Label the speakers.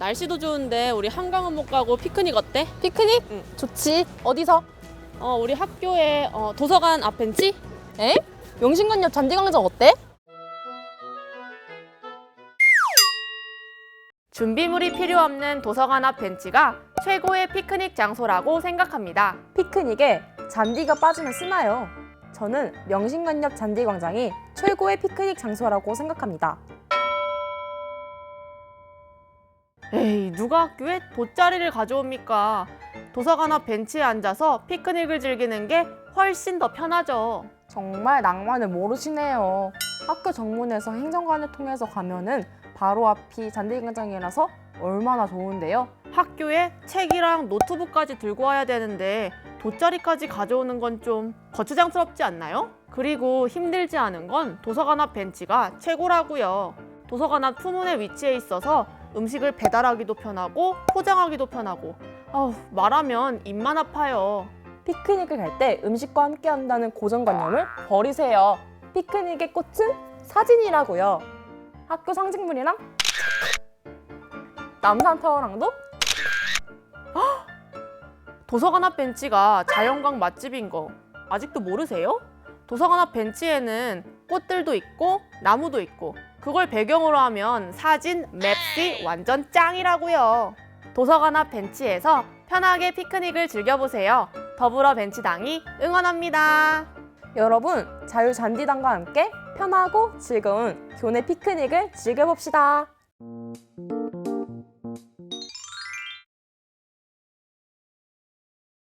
Speaker 1: 날씨도 좋은데 우리 한강은 못 가고 피크닉 어때?
Speaker 2: 피크닉?
Speaker 1: 응.
Speaker 2: 좋지. 어디서?
Speaker 1: 우리 학교에 도서관 앞 벤치?
Speaker 2: 에? 명신관 옆 잔디광장 어때?
Speaker 1: 준비물이 필요 없는 도서관 앞 벤치가 최고의 피크닉 장소라고 생각합니다.
Speaker 2: 피크닉에 잔디가 빠지면 쓰나요? 저는 명신관 옆 잔디광장이 최고의 피크닉 장소라고 생각합니다.
Speaker 1: 에이, 누가 학교에 돗자리를 가져옵니까? 도서관 앞 벤치에 앉아서 피크닉을 즐기는 게 훨씬 더 편하죠.
Speaker 2: 정말 낭만을 모르시네요. 학교 정문에서 행정관을 통해서 가면은 바로 앞이 잔디광장이라서 얼마나 좋은데요.
Speaker 1: 학교에 책이랑 노트북까지 들고 와야 되는데 돗자리까지 가져오는 건 좀 거추장스럽지 않나요? 그리고 힘들지 않은 건 도서관 앞 벤치가 최고라고요. 도서관 앞 후문에 위치해 있어서 음식을 배달하기도 편하고 포장하기도 편하고 말하면 입만 아파요.
Speaker 2: 피크닉을 갈 때 음식과 함께 한다는 고정관념을 버리세요. 피크닉의 꽃은 사진이라고요. 학교 상징물이랑 남산타워랑도
Speaker 1: 도서관 앞 벤치가 자연광 맛집인 거 아직도 모르세요? 도서관 앞 벤치에는 꽃들도 있고 나무도 있고 그걸 배경으로 하면 사진, 맵시 완전 짱이라고요. 도서관 앞 벤치에서 편하게 피크닉을 즐겨보세요. 더불어 벤치당이 응원합니다.
Speaker 2: 여러분, 자유잔디당과 함께 편하고 즐거운 교내 피크닉을 즐겨봅시다.